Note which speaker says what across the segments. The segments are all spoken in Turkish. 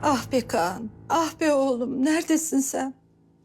Speaker 1: Ah be Kaan, ah be oğlum, neredesin sen?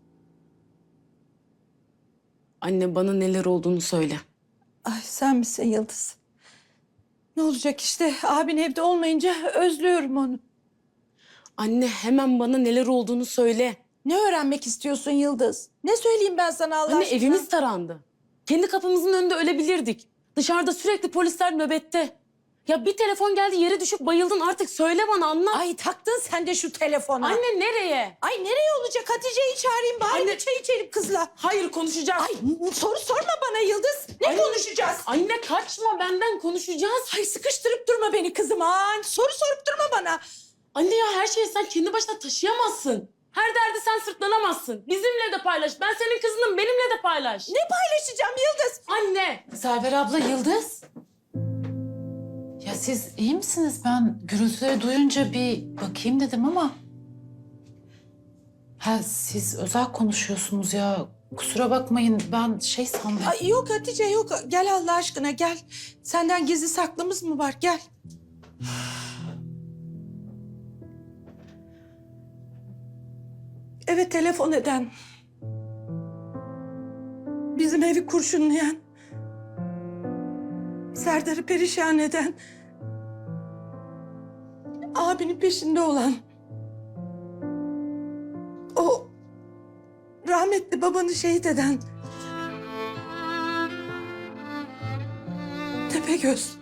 Speaker 2: Anne bana neler olduğunu söyle.
Speaker 1: Ay sen misin Yıldız? Ne olacak işte, abin evde olmayınca özlüyorum onu.
Speaker 2: Anne hemen bana neler olduğunu söyle.
Speaker 1: Ne öğrenmek istiyorsun Yıldız? Ne söyleyeyim ben sana Allah
Speaker 2: Anne
Speaker 1: aşkına?
Speaker 2: evimiz tarandı. Kendi kapımızın önünde ölebilirdik. Dışarıda sürekli polisler nöbette. Ya bir telefon geldi yere düşüp bayıldın artık söyle bana anlat.
Speaker 1: Ay taktın sen de şu telefona.
Speaker 2: Anne nereye?
Speaker 1: Ay nereye olacak? Hatice'yi çağırayım bari
Speaker 2: Anne-
Speaker 1: bir çay içelim kızla.
Speaker 2: Hayır konuşacağız.
Speaker 1: Ay soru sorma bana Yıldız. Ne
Speaker 2: Anne-
Speaker 1: konuşacağız?
Speaker 2: Anne kaçma benden konuşacağız.
Speaker 1: Ay sıkıştırıp durma beni kızım. Ay, soru sorup durma bana.
Speaker 2: Anne ya her şeyi sen kendi başına taşıyamazsın. Her derdi sen sırtlanamazsın. Bizimle de paylaş. Ben senin kızınım benimle de paylaş.
Speaker 1: Ne paylaşacağım Yıldız?
Speaker 2: Anne.
Speaker 3: Server abla, Yıldız. Ya siz iyi misiniz? Ben gürültüleri duyunca bir bakayım dedim ama... Ha siz özel konuşuyorsunuz ya. Kusura bakmayın ben şey sandım.
Speaker 1: Ay yok Hatice yok. Gel Allah aşkına gel. Senden gizli saklımız mı var? Gel. Evet telefon eden. Bizim evi kurşunlayan. Serdar'ı perişan eden. Abinin peşinde olan. O rahmetli babanı şehit eden. Tepegöz.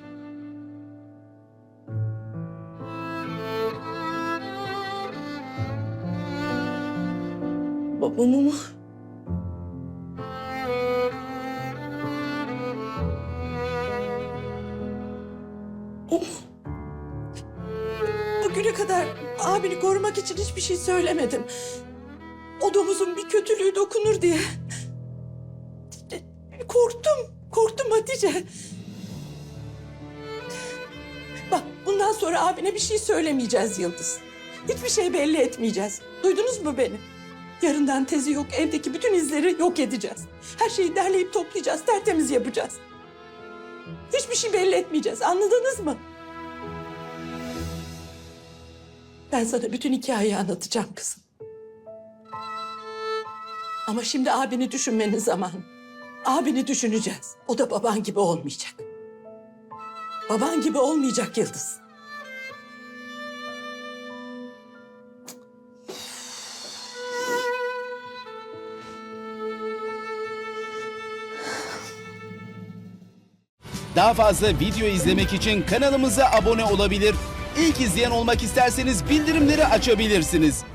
Speaker 2: Babamı mı?
Speaker 1: Bugüne kadar abini korumak için hiçbir şey söylemedim. O domuzun bir kötülüğü dokunur diye. Korktum Hatice. Bak bundan sonra abine bir şey söylemeyeceğiz Yıldız. Hiçbir şey belli etmeyeceğiz. Duydunuz mu beni? Yarından tezi yok, evdeki bütün izleri yok edeceğiz. Her şeyi derleyip toplayacağız, tertemiz yapacağız. Hiçbir şey belli etmeyeceğiz, anladınız mı? Ben sana bütün hikayeyi anlatacağım kızım. Ama şimdi abini düşünmenin zamanı. Abini düşüneceğiz. O da baban gibi olmayacak. Baban gibi olmayacak Yıldız.
Speaker 4: Daha fazla video izlemek için kanalımıza abone olabilir. İlk izleyen olmak isterseniz bildirimleri açabilirsiniz.